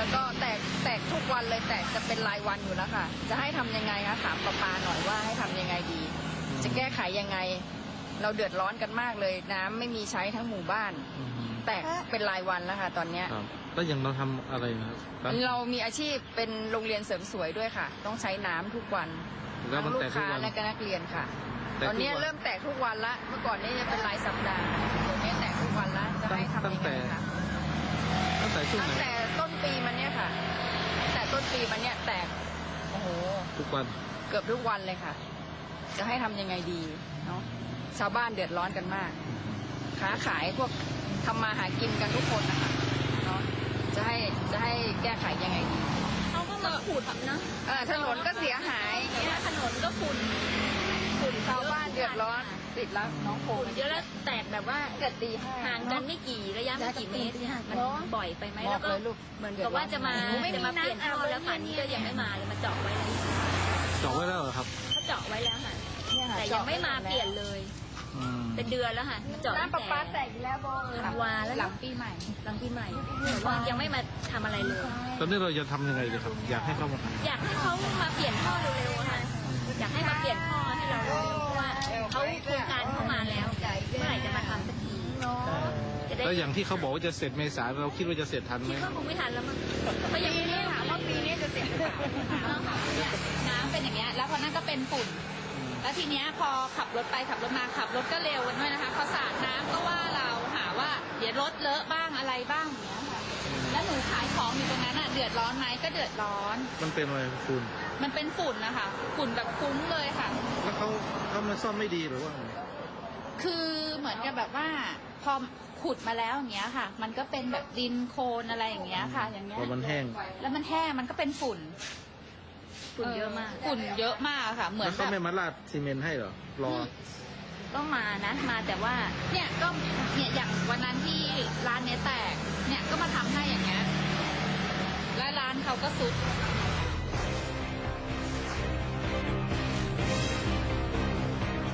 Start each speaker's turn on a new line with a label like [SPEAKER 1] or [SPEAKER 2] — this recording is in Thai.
[SPEAKER 1] แล้วก็แตกทุกวันเลยแตกจะเป็นรายวันอยู่แล้วค่ะจะให้ทำยังไงคะถามประปาหน่อยว่าให้ทำยังไงดีจะแก้ไขยังไงเราเดือดร้อนกันมากเลยน้ำไม่มีใช้ทั้งหมู่บ้านแตกเป็นรายวันแล้วค่ะตอนเนี้ย
[SPEAKER 2] แล้วอย่างเราทำอะไรนะครับ
[SPEAKER 1] เรามีอาชีพเป็นโรงเรียนเสริมสวยด้วยค่ะต้องใช้น้ำทุกวันทั้งลูกค้าและก็นักเรียนค่ะตอนนี้เริ่มแตกทุกวันละเมื่อก่อนนี้จะเป็นรายสัปดาห์ตอนนี้แตกทุกวันละจะให้ทำยังไงคะ
[SPEAKER 2] ตั้งแต่
[SPEAKER 1] ต้นปีมันเนี่ยค่ะแต่ต้นปีมันเนี่ยแตกโอ้โห
[SPEAKER 2] ทุกวัน
[SPEAKER 1] เกือบทุกวันเลยค่ะ จะให้ทำยังไงดีเนาะชาวบ้านเดือดร้อนกันมากค้าขายพวกทำมาหากินกันทุกคนนะคะเนาะจะให้แก้ไขยังไงดี
[SPEAKER 3] เขาก็มาขุดนะ
[SPEAKER 1] ถนนก็เสียหาย
[SPEAKER 3] เนี่ยถนนก็ฝุ่น
[SPEAKER 1] ชาวบ้านเดือดร้อนติดแล้วน้องโค
[SPEAKER 3] เยอะแล้วแตกแบบว่า
[SPEAKER 1] เกิดตี
[SPEAKER 3] ห่างกันไม่กี่ระยะไม่กี่เมตรเนี่ยมันบ่อยไปไหมแล้วก็
[SPEAKER 1] เหมือน
[SPEAKER 3] กับว่าจะมาเปลี่ยนท่อแล้วฝันนี้ก็ยังไม่มาเลยมาเจาะไว้แล้ว
[SPEAKER 2] เจาะไว้แล้วเหรอครับ
[SPEAKER 3] เขาเจาะไว้แล้วค่ะแต่ยังไม่มาเปลี่ยนเลยเป็นเดือนแล้วค่ะมาเจาะ
[SPEAKER 1] น้ำประปาแตกแล้วบอ
[SPEAKER 3] ธันวาแล้ว
[SPEAKER 1] หลังปีใหม่
[SPEAKER 3] แต่ว่ายังไม่มาทำอะไรเลย
[SPEAKER 2] ตอนนี้เราจะทำยังไงดีครับอยากให้เขามา
[SPEAKER 3] อยากให้เขามาเปลี่ยนท่อเร็วๆค่ะอยากให้มาเปลี่ยนท่อให้เราเร็วเพราะว่าเขาโครงการเข้ามาแล้วเมื่อไหร่จะมาทำสักที
[SPEAKER 2] แล้วอย่างที่เขาบอกว่าจะเสร็จเมษาเราคิดว่าจะเสร็จทันไหม
[SPEAKER 3] คิดว่าคงไม่ทันแล้วมั้งก็ยังไม่
[SPEAKER 1] ถามว่าปีนี้จะเสร็จหรือเปล่า
[SPEAKER 4] น้ำเป็นอย่างเงี้ยแล้วพอนั่นก็เป็นฝุ่นแล้วทีเนี้ยพอขับรถไปขับรถมาขับรถก็เร็วกันด้วยนะคะพอสาดน้ำก็ว่าเราหาว่าเดี๋ยวรถเลอะบ้างอะไรบ้างอย่างเงี้ยค่ะแล้วหนูขายของอยู่ตรงนั้นอ่ะเดือดร้อนไหมก็เดือดร้อน
[SPEAKER 2] มันเป็นอะไรฝุ่น
[SPEAKER 4] มันเป็นฝุ่นนะคะฝุ่นแบบคุ้งเลยค่ะ
[SPEAKER 2] แล้วเขามาซ่อมไม่ดีหรือว่า
[SPEAKER 4] คือเหมือนกับแบบว่าพอขุดมาแล้วอย่างเงี้ยค่ะมันก็เป็นแบบดินโคลนอะไรอย่างเงี้ยค่ะอย่างเงี้ย
[SPEAKER 2] พอมันแห้ง
[SPEAKER 4] แล้วมันแห้งมันก็เป็นฝุ่น
[SPEAKER 3] เยอะมาก
[SPEAKER 4] ฝุ่นเยอะมากค่ะเหมือน
[SPEAKER 2] เขาไม่มาราดซีเมนต์ให้หรอรอ
[SPEAKER 3] ก็มานะมาแต่ว่า
[SPEAKER 4] เนี่ยก็เนี่ยอย่างวันนั้นที่ร้านเนี้ยแตกเนี่ยก็มาทำให้อย่างเงี้ยแล้วร้านเขาก็ซุด